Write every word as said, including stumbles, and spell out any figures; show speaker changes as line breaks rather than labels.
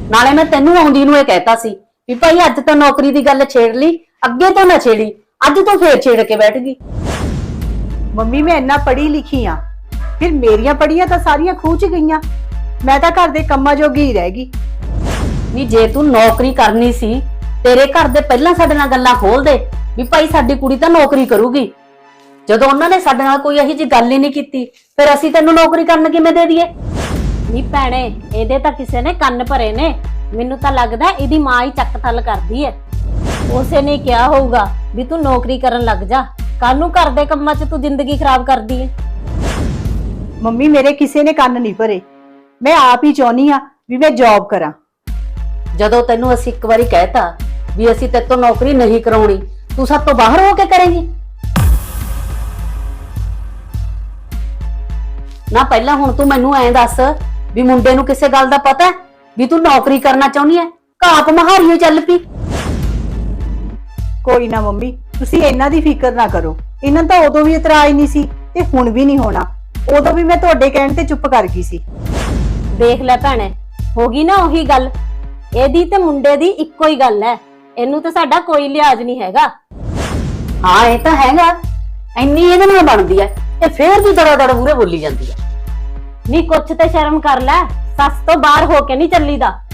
ਨਾਲੇ ਮੈਂ ਤੈਨੂੰ ਆਉਂਦੀ ਨੂੰ ਇਹ ਕਹਿਤਾ ਸੀ ਵੀ ਭਾਈ ਅੱਜ ਤਾਂ ਨੌਕਰੀ ਦੀ ਗੱਲ ਛੇੜ ਲਈ, ਅੱਗੇ ਤੋਂ ਨਾ ਛੇੜੀ। ਅੱਜ ਤੋਂ ਫੇਰ ਛੇੜ ਕੇ ਬੈਠ ਗਈ।
ਮੰਮੀ ਮੈਂ ਇੰਨਾ ਪੜ੍ਹੀ ਲਿਖੀ ਆ, ਫਿਰ ਮੇਰੀਆਂ ਪੜ੍ਹੀਆਂ ਤਾਂ ਸਾਰੀਆਂ ਖੂਹ ਚ ਗਈਆਂ। ਮੈਂ ਤਾਂ ਘਰ ਦੇ ਕੰਮਾਂ ਜੋਗੀ ਹੀ ਰਹਿ ਗਈ।
ਵੀ ਜੇ ਤੂੰ ਨੌਕਰੀ ਕਰਨੀ ਸੀ, ਤੇਰੇ ਘਰ ਦੇ ਪਹਿਲਾਂ ਸਾਡੇ ਨਾਲ ਗੱਲਾਂ ਖੋਲ ਦੇ ਵੀ ਭਾਈ ਸਾਡੀ ਕੁੜੀ ਤਾਂ ਨੌਕਰੀ ਕਰੂਗੀ। ਜਦੋਂ ਉਹਨਾਂ ਨੇ ਸਾਡੇ ਨਾਲ ਕੋਈ ਇਹੋ ਜਿਹੀ ਗੱਲ ਹੀ ਨਹੀਂ ਕੀਤੀ, ਫਿਰ ਅਸੀਂ ਤੈਨੂੰ ਨੌਕਰੀ ਕਰਨ ਕਿਵੇਂ ਦੇ ਦਈਏ?
ਨੀ ਭੈਣੇ, ਇਹਦੇ ਤਾਂ ਕਿਸੇ ਨੇ ਕੰਨ ਭਰੇ ਨੇ। ਮੈਨੂੰ ਤਾਂ ਲੱਗਦਾ ਇਹਦੀ ਮਾਂ ਹੀ ਚੱਕ ਥੱਲ ਕਰਦੀ ਐ। ਉਸੇ ਨੇ ਕਿਹਾ ਹੋਊਗਾ ਵੀ ਤੂੰ ਨੌਕਰੀ ਕਰਨ ਲੱਗ ਜਾ, ਕੱਲ ਨੂੰ ਘਰ ਦੇ ਕੰਮਾਂ 'ਚ ਤੂੰ ਜ਼ਿੰਦਗੀ ਖਰਾਬ ਕਰਦੀ ਐ।
ਮੰਮੀ ਮੇਰੇ ਕਿਸੇ ਨੇ ਕੰਨ ਨਹੀਂ ਭਰੇ, ਮੈਂ ਆਪ ਹੀ ਚਾਹੁੰਦੀ ਆ ਵੀ ਮੈਂ ਜੌਬ ਕਰਾਂ।
ਜਦੋਂ ਤੈਨੂੰ ਅਸੀਂ ਇੱਕ ਵਾਰੀ ਕਹਿਤਾ ਵੀ ਅਸੀਂ ਤੇਰੇ ਤੋਂ ਨੌਕਰੀ ਨਹੀਂ ਕਰਾਉਣੀ, ਤੂੰ ਸਭ ਤੋਂ ਬਾਹਰ ਹੋ ਕੇ ਕਰੇਂਗੀ ਨਾ। ਪਹਿਲਾਂ ਹੁਣ ਤੂੰ ਮੈਨੂੰ ਐਂ ਦੱਸ ਵੀ ਮੁੰਡੇ ਨੂੰ ਕਿਸੇ ਗੱਲ ਦਾ ਪਤਾ ਵੀ ਤੂੰ ਨੌਕਰੀ ਕਰਨਾ ਚਾਹੁੰਦੀ ਐ? ਘਾਪ ਮਹਾਰੀਓ ਚੱਲ ਪਈ।
ਕੋਈ ਨਾ ਮੰਮੀ, ਤੁਸੀਂ ਇਹਨਾਂ ਦੀ ਫਿਕਰ ਨਾ ਕਰੋ। ਇਹਨਾਂ ਤਾਂ ਉਦੋਂ ਵੀ ਇਤਰਾਜ਼ ਨਹੀਂ ਸੀ ਤੇ ਹੁਣ ਵੀ ਨਹੀਂ ਹੋਣਾ। ਉਦੋਂ ਵੀ ਮੈਂ ਤੁਹਾਡੇ ਕਹਿਣ ਤੇ ਚੁੱਪ ਕਰ ਗਈ ਸੀ।
ਦੇਖ ਲੈ ਭੈਣੇ, ਹੋ ਗਈ ਨਾ ਉਹੀ ਗੱਲ। ਇਹਦੀ ਤੇ ਮੁੰਡੇ ਦੀ ਇੱਕੋ ਹੀ ਗੱਲ ਐ। ਇਹਨੂੰ ਤੇ ਸਾਡਾ ਕੋਈ ਲਿਹਾਜ਼ ਨਹੀਂ ਹੈਗਾ।
ਹਾਂ ਇਹ ਤਾਂ ਹੈਗਾ, ਇੰਨੀ ਇਹਦੇ ਨਾਲ ਬਣਦੀ ਐ, ਇਹ ਫੇਰ ਵੀ ਦੜਾ ਦੜ ਮੂਰੇ ਬੋਲੀ ਜਾਂਦੀ ਐ।
ਨੀ ਕੁਛ ਤੇ ਸ਼ਰਮ ਕਰ ਲੈ, ਸੱਸ ਤੋਂ ਬਾਹਰ ਹੋ ਕੇ ਨਹੀਂ ਚੱਲੀਦਾ।